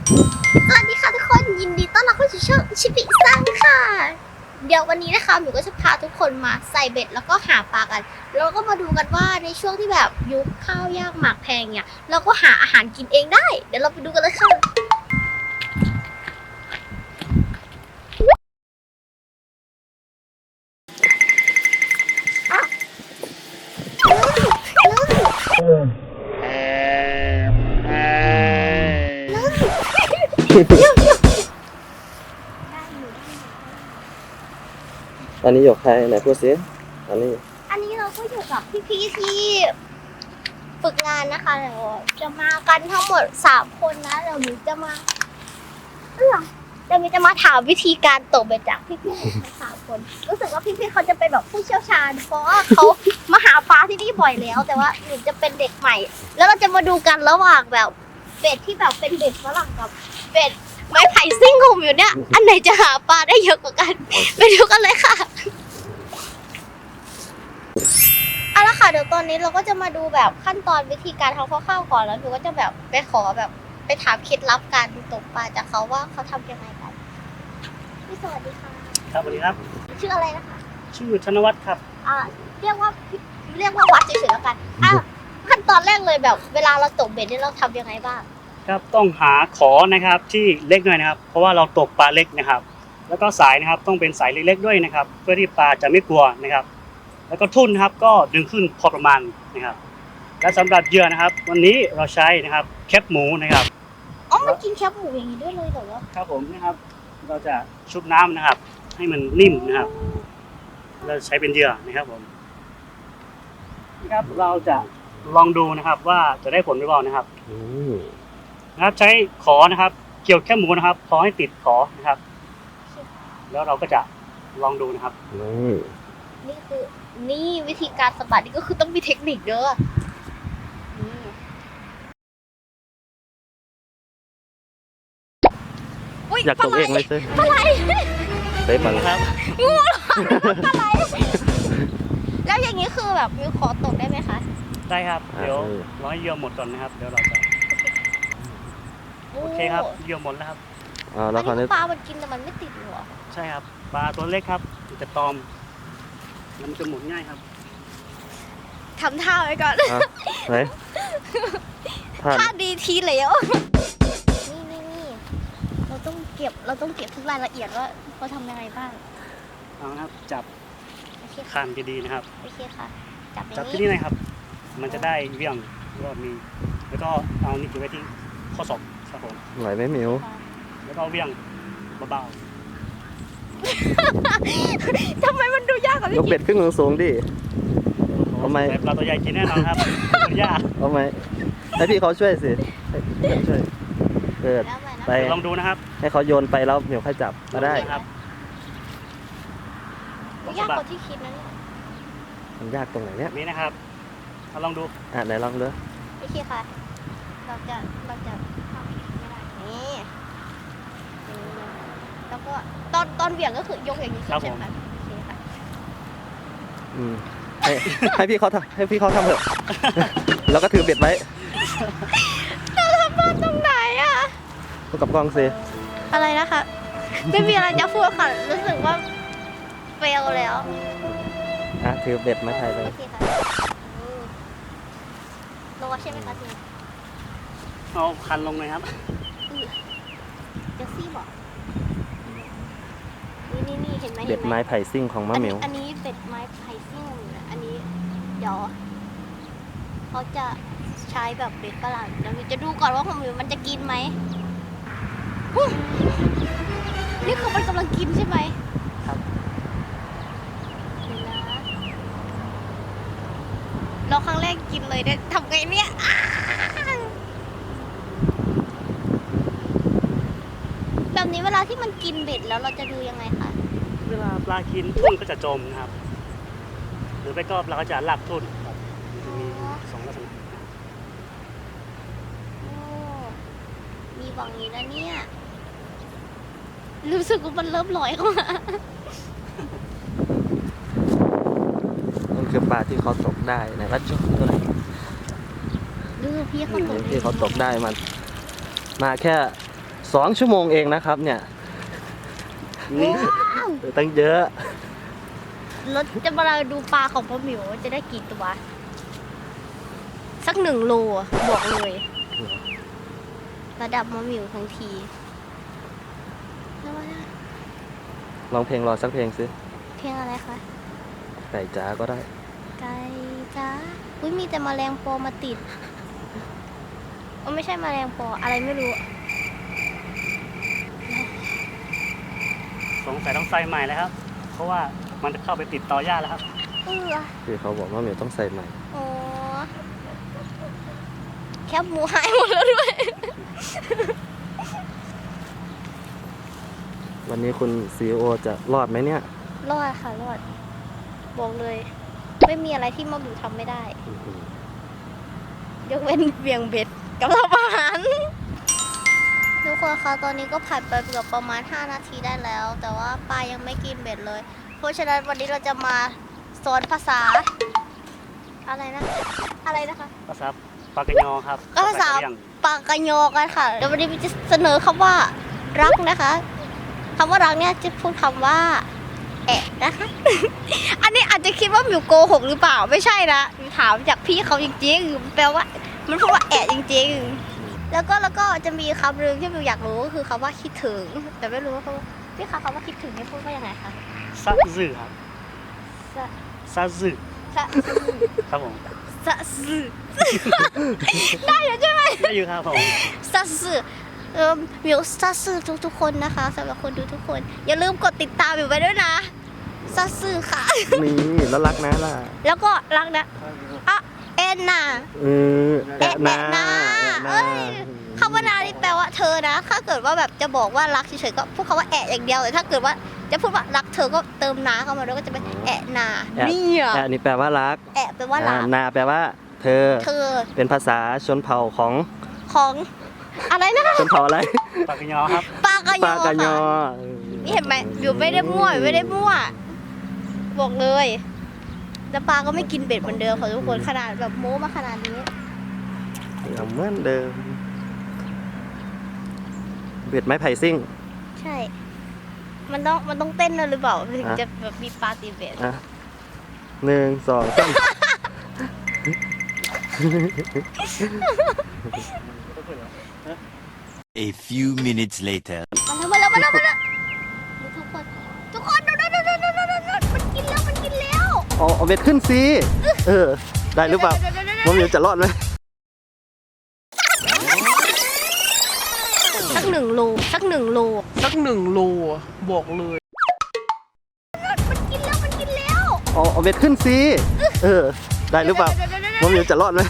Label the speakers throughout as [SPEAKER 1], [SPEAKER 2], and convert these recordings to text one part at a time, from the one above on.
[SPEAKER 1] สวัสดีค่ะทุกคนยินดีต้อนรับเข้าสู่ช่องชิปิซังค่ะเดี๋ยววันนี้นะคะหนูก็จะพาทุกคนมาใส่เบ็ดแล้วก็หาปลากันแล้วก็มาดูกันว่าในช่วงที่แบบยุคข้าวยากหมากแพงเนี่ยเราก็หาอาหารกินเองได้เดี๋ยวเราไปดูกันเลยค่ะ
[SPEAKER 2] ตอนนี้อยู่ใครไหนพูดสิอันนี้
[SPEAKER 1] เราก็อยู่กับพี่ๆที่ฝึกงานนะคะเดี๋ยวจะมากันทั้งหมด3คนนะเดี๋ยวหนูจะมาถามวิธีการตกเบ็ดจากพี่ๆทั้ง3คนรู้สึกว่าพี่ๆเขาจะเป็นแบบผู้เชี่ยวชาญเพราะว่าเขามาหาปลาที่นี่บ่อยแล้ว แต่ว่าหนูจะเป็นเด็กใหม่ แล้วเราจะมาดูกันระหว่างแบบเบ็ดที่แบบเป็นเบ็ดฝรั่งกับเบ็ดไม้ไผ่ซิ่งของอยู่เนี่ยอันไหนจะหาปลาได้เยอะกว่ากันไปดูกันเลยค่ะเอาละค่ะเดี๋ยวตอนนี้เราก็จะมาดูแบบขั้นตอนวิธีการทำข้าวๆก่อนแล้วหนูก็จะแบบไปขอแบบไปถามเคล็ดลับการตกปลาจากเขาว่าเขาทำยังไงกันพี่สวัสดีค่ะ
[SPEAKER 3] ครับสวัสดีครับ
[SPEAKER 1] ชื่ออะไรนะคะ
[SPEAKER 3] ชื่อธนวัฒน์ครับ
[SPEAKER 1] เรียกว่าวัดเฉยๆแล้วกันขั้นตอนแรกเลยแบบเวลาเราตกเบ็ดนี่เราทำยังไงบ้าง
[SPEAKER 3] ครับต้องหาขอนะครับที่เล็กหน่อยนะครับเพราะว่าเราตกปลาเล็กนะครับแล้วก็สายนะครับต้องเป็นสายเล็กๆด้วยนะครับเพื่อที่ปลาจะไม่กลัวนะครับแล้วก็ทุ่นนะครับก็ดึงขึ้นพอประมาณนะครับและสำหรับเหยื่อนะครับวันนี้เราใช้นะครับแคบหมูนะครับ
[SPEAKER 1] มันกินแคบหมูอย่างนี้ด้วยเลยเหรอ
[SPEAKER 3] ครับผมนะครับเราจะชุบน้ำนะครับให้มันนิ่มนะครับเราใช้เป็นเหยื่อนะครับผมนะครับเราจะลองดูนะครับว่าจะได้ผลหรือเปล่านะครับนะครับใช้ขอนะครับเกี่ยวแค่หมูนะครับขอให้ติดขอนะครับแล้วเราก็จะลองดูนะครับ
[SPEAKER 1] นี่วิธีการสะบัดนี่ก็คือต้องมีเทคนิคเด้อ
[SPEAKER 2] อยากตกเองไหมซิ
[SPEAKER 1] อะไร
[SPEAKER 2] เฮ้ยปัง
[SPEAKER 3] ครับ
[SPEAKER 1] งูอะไรแล้วอย่างนี้คือแบบมิวขอตกได้ไหมคะ
[SPEAKER 3] ได้ครับเดี๋ยวรอให้เหยื่อหมดก่อนนะครับเดี๋ยวเราจะโอเคครับเหยื่อหมดแล้วครับ
[SPEAKER 1] แล้วนี้ปลามันกินแต่มันไม่ติดหรอ
[SPEAKER 3] ใช่ครับปลาตัวเล็กครับมันจะตอมแล้วมันจะหมุนง่ายครับ
[SPEAKER 1] ทำท่าไว้ก่อน
[SPEAKER 2] ไหน
[SPEAKER 1] ท่าดีทีแล้วนี่เราต้องเก็บทุกรายละเอียดว่าเขาทำยังไงบ้าง
[SPEAKER 3] เอาครับจับคานดีๆนะครับ
[SPEAKER 1] โอเคค่ะ
[SPEAKER 3] จับที่นี่นะครับมันจะได้เวี่ยงก็มีแล้วก็เอานี่ไว้ที่ข้อศอกครับผม
[SPEAKER 2] ไหวไหมมิว
[SPEAKER 3] แล้วก็เวี่ยงเบา
[SPEAKER 1] ทำไมมันดูยากกว่าพี่
[SPEAKER 2] ยกเบ็ดขึ้นสูงดิ
[SPEAKER 3] ทำไมปลาตัวใหญ่กินแน่นอนครับยาก
[SPEAKER 2] ทำไมให้พี่เขาช่วยสิช่วยเปิดไป
[SPEAKER 3] ลองดูนะครับ
[SPEAKER 2] ให้เขาโยนไปแล้วมิวค่อยจับมาได้
[SPEAKER 3] ครับ
[SPEAKER 1] ยากกว่าที่คิดนะเนี่ย
[SPEAKER 2] มันยากตรงไหนเนี่ย
[SPEAKER 3] นี่นะครับลองดู
[SPEAKER 2] ไหนลองดู
[SPEAKER 1] โอเคค่ะเราจะทำไม่ได้นี่แล้วก็ตอนเหวี่ยงก็คือยกอย่างนี้ใช่ไหมคะโอเคค่ะ
[SPEAKER 2] ให้พี่เขาทำเถอะแล้วก็ถือเบ็ดไว้
[SPEAKER 1] เราทำบ้านตรงไหนอ่ะ
[SPEAKER 2] พูดกับกล้องสิ
[SPEAKER 1] อะไรนะคะไม่มีอะไรจะพูดค่ะรู้สึกว่าเฟลแล้ว
[SPEAKER 2] ถือเบ็ดมาถ่ายเลย
[SPEAKER 1] โอเคค่ะรอใช่ไหมคะที
[SPEAKER 3] เอาคันลงเลยครับ
[SPEAKER 1] จะซี่บอกนี่เห็นไหม
[SPEAKER 2] เบ็ดไม้ไผ่ซิ่งของมะเหมียว
[SPEAKER 1] อันนี้เบ็ดไม้ไผ่ซิ่งอันนี้เดี๋ยวเขาจะใช้แบบเบ็ดฝรั่งเดี๋ยวจะดูก่อนว่าของหมิวมันจะกินไหมนี่คือมันกำลังกินใช่ไหม
[SPEAKER 3] ครับ
[SPEAKER 1] เราครั้งแรกกินเลยได้ทำไงเนี่ยแบบนี้เวลาที่มันกินเบ็ดแล้วเราจะดูยังไงคะ
[SPEAKER 3] เวลาปลากินทุ่นก็จะจมนะครับหรือไปก็เราก็จะลากทุ่นมี2ลักษณะ
[SPEAKER 1] มีบางนี้นะเนี่ยรู้สึกว่ามันเริ่มลอยเข้ามา
[SPEAKER 2] มันคือปลาที่เขาตกได้ในวัดจุกตัวไหน
[SPEAKER 1] ดูพี่เขาตก
[SPEAKER 2] ที่เขาตกได้มันมาแค่ 2 ชั่วโมงเองนะครับเนี่ย
[SPEAKER 3] นี่
[SPEAKER 2] ตั้งเยอะ
[SPEAKER 1] เราจะมาดูปลาของพ่อหมิวว่าจะได้กี่ตัว สัก1 โลอะบอกเลย ระดับพ่อหมิวทั้งทีแล้วว่า
[SPEAKER 2] ลองเพลงรอสักเพลงสิ
[SPEAKER 1] เพลงอะไรคะ
[SPEAKER 2] ไก่จ๋าก็ได้
[SPEAKER 1] ไก่จ้าอุ้ยมีแต่แมลงปอมาติดไม่ใช่แมลงปออะไรไม่รู้
[SPEAKER 3] สงสัยต้องใส่ใหม่แล้วครับ เพราะว่ามันจะเข้าไปติดต่อหญ้าแล้วครับ
[SPEAKER 2] คือเขาบอกว่าเหมียวต้องใส่ใหม่
[SPEAKER 1] โอ้แคบหมูหายหมดแล้วด้วย
[SPEAKER 2] วันนี้คุณ CEO จะรอดไหมเนี่ย
[SPEAKER 1] รอดค่ะรอด บอกเลย ไม่มีอะไรที่มะหมิวทำไม่ได้ ยกเว้นเบี่ยงเบ็ดกับทำอาหารทุกคนคะตอนนี้ก็ผ่านไปเกือบประมาณ5 นาทีได้แล้ว แต่ว่าปลายังไม่กินเบ็ดเลย เพราะฉะนั้นวันนี้เราจะมาสอนภาษา อะไรนะ อะไรนะคะ
[SPEAKER 3] ภาษาปากกยอครับ
[SPEAKER 1] ก็ภาษา
[SPEAKER 3] กะเหรี่ยง
[SPEAKER 1] ปากกะโยกันค่ะเดี๋ยววันนี้จะเสนอคำว่ารักนะคะคำว่ารักเนี่ยจะพูดคำว่าแอะนะคะ อันนี้อาจจะคิดว่าหมิวโกหกหรือเปล่าไม่ใช่นะถามจากพี่เขาจริงๆแปลว่ามันพูดว่าแอะจริงๆแล้วก็จะมีคำหนึ่งที่หมิวอยากรู้ก็คือคำว่าคิดถึง แต่ไม่รู้ว่าเขาพี่คะคำว่าคิดถึงนี่พูดว่ายังไงคะ
[SPEAKER 3] ซะซื่อครับ
[SPEAKER 1] สะ
[SPEAKER 3] ซะซื่อ
[SPEAKER 1] สะ
[SPEAKER 3] ครับผม
[SPEAKER 1] สะสื่อ ได้อยู่ใช่ไหม
[SPEAKER 3] ได้อยู่ครับผม
[SPEAKER 1] ซาสึมิวซาสึทุกๆคนนะคะสำหรับคนดูทุกคน อย่าลืมกดติดตามมิวไว้ด้วยนะซาสึค่ะ
[SPEAKER 2] นี่แล้วรักนะล่ะ
[SPEAKER 1] แล้วก็รักนะอ่ะเอ็นน่ะ
[SPEAKER 2] แอะนา
[SPEAKER 1] แอะนา
[SPEAKER 2] แอะนา
[SPEAKER 1] เอ้ย คำว่านานี่แปลว่าเธอนะ ถ้าเกิดว่าแบบจะบอกว่ารักเฉยๆก็พูดคำว่าแอะอย่างเดียวแต่ถ้าเกิดว่าจะพูดว่ารักเธอก็เติมนาเข้ามาด้วยก็จะเป็นแอะนา
[SPEAKER 2] แอะ
[SPEAKER 1] เนี่ย
[SPEAKER 2] แอะนี่แปลว่ารัก
[SPEAKER 1] แอะแปลว่ารัก
[SPEAKER 2] นาแปลว่า เธอ
[SPEAKER 1] เธอ
[SPEAKER 2] เป็นภาษาชนเผ่าของ
[SPEAKER 1] ของอะไรนะ
[SPEAKER 2] ชนเผ่าอะไร
[SPEAKER 3] ปากกยอครับ
[SPEAKER 1] ปากะโย
[SPEAKER 2] ปากะยอ
[SPEAKER 1] ค่ะ นี่เห็นไหมอยู่ไม่ได้มั่วไม่ได้มั่ว บอกเลยแล้วปลาก็ไม่กินเบ็ดเหมือนเดิมค่ะทุกคนขนาดแบบโม้มาขนาดนี้
[SPEAKER 2] ยังเหมือนเดิม เบ็ดไม้ไผ่ซิ่ง
[SPEAKER 1] ใช่ มันต้องเต้นด้วยหรือเปล่าถึงจะแบบมีปลาตีเบ็ด
[SPEAKER 2] อ่ะ1 2 3
[SPEAKER 4] A few minutes later.
[SPEAKER 1] มาแล้วทุกคนดูมันกินแล้ว
[SPEAKER 2] เอาเบ็ดขึ้นสิได้หรือเปล่าผมอยากจะรอดไหม
[SPEAKER 1] สัก1 โลสัก 1 โล
[SPEAKER 5] สัก1 โลอะบอกเลย
[SPEAKER 1] มันกินแล้ว
[SPEAKER 2] เอาเบ็ดขึ้นสิได้หรือเปล่าผมอยากจะรอดไหม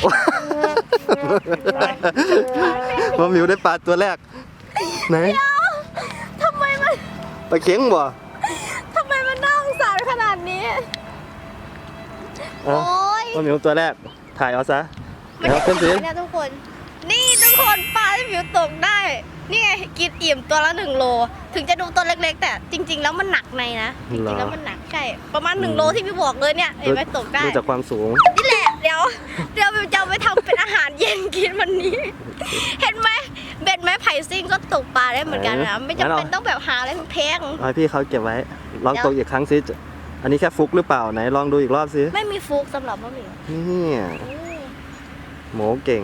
[SPEAKER 2] ผมมิวได้ปลาตัวแรกไหน
[SPEAKER 1] ทำไมมัน
[SPEAKER 2] ปลาเข็งบ่
[SPEAKER 1] น่าสงสารขนาดนี้
[SPEAKER 2] เอา
[SPEAKER 1] โอ้ย
[SPEAKER 2] ผมมิวตัวแรกถ่ายเอาซะ
[SPEAKER 1] มัน
[SPEAKER 2] แล้วขึ้นสิ
[SPEAKER 1] เนี่ยทุกคน นี่ทุกคนปลาที่ผิวตกได้ นี่ไงกินอิ่มตัวละ1 โล ถึงจะดูตัวเล็กๆ แต่จริง ๆ แล้วมันหนักในนะจริงๆแล้วมันหนักใช่ประมาณ1 โลที่พี่บอกเลยเนี่ยเห็นไหมตกได้
[SPEAKER 2] ดูจากความสูง
[SPEAKER 1] นี่แหละเดี๋ยวบิวจะเอาไปทำเป็นอาหารเย็นกินวันนี้ เห็นไหมเบ็ดไม้ไผ่ซิ่งก็ตกปลาได้เหมือนกันนะไม่จำเป็นต้องแบบหาอะไรแพง
[SPEAKER 2] เอาให้พี่เขาเก็บไว้ ลองตกอีกครั้งสิอันนี้แค่ฟุกหรือเปล่าไหนลองดูอีกรอบสิ
[SPEAKER 1] ไม่มีฟุกสำหรับมะหมี่
[SPEAKER 2] เนี่ยหมูเก่ง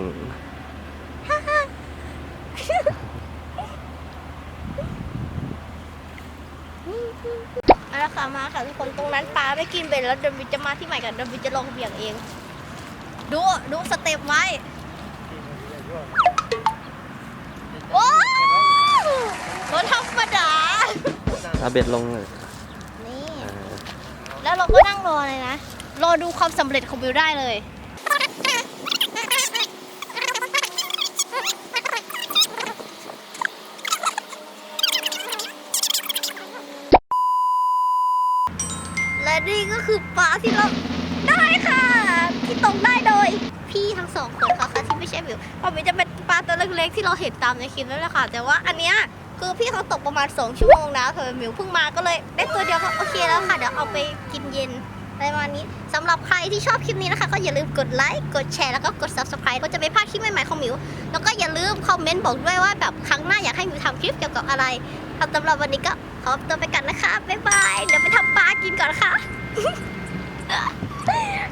[SPEAKER 1] มาแล้วค่ะมาค่ะทุกคนตรงนั้นปลาไม่กินเบ็ดแล้วเดี๋ยวบิวจะมาที่ใหม่กันเดี๋ยวบิวจะลองเบี่ยงเอง ดูสเต็ปไว้โอ้โหธรรมดา
[SPEAKER 2] เอาเบ็ดลงเลย
[SPEAKER 1] นี่ แล้วเราก็นั่งรอเลยนะ รอดูความสำเร็จของบิวได้เลย และนี่ก็คือปลาที่เราได้ค่ะ ที่ตกได้โดยพี่ทั้งสองคนค่ะที่ไม่ใช่บิวเพราะบิวจะเป็นปลาตัวเล็กๆที่เราเห็นตามในคลิปนั่นแหละค่ะ แต่ว่าอันเนี้ยคือพี่เขาตกประมาณ2 ชั่วโมงนะเธอมิวเพิ่งมาก็เลยได้ตัวเดียวก็โอเคแล้วค่ะเดี๋ยวเอาไปกินเย็นอะไรประมาณนี้สำหรับใครที่ชอบคลิปนี้นะคะก็อย่าลืมกดไลค์กดแชร์แล้วก็กด subscribe ก็จะไม่พลาดคลิปใหม่ๆของมิวแล้วก็อย่าลืมคอมเมนต์บอกด้วยว่าแบบครั้งหน้าอยากให้ำคลิปเกี่ยวกับอะไรสำหรับวันนี้ก็ขอตัวไปกันนะคะบ๊ายบายเดี๋ยวไปทำปลากินก่อนนะคะ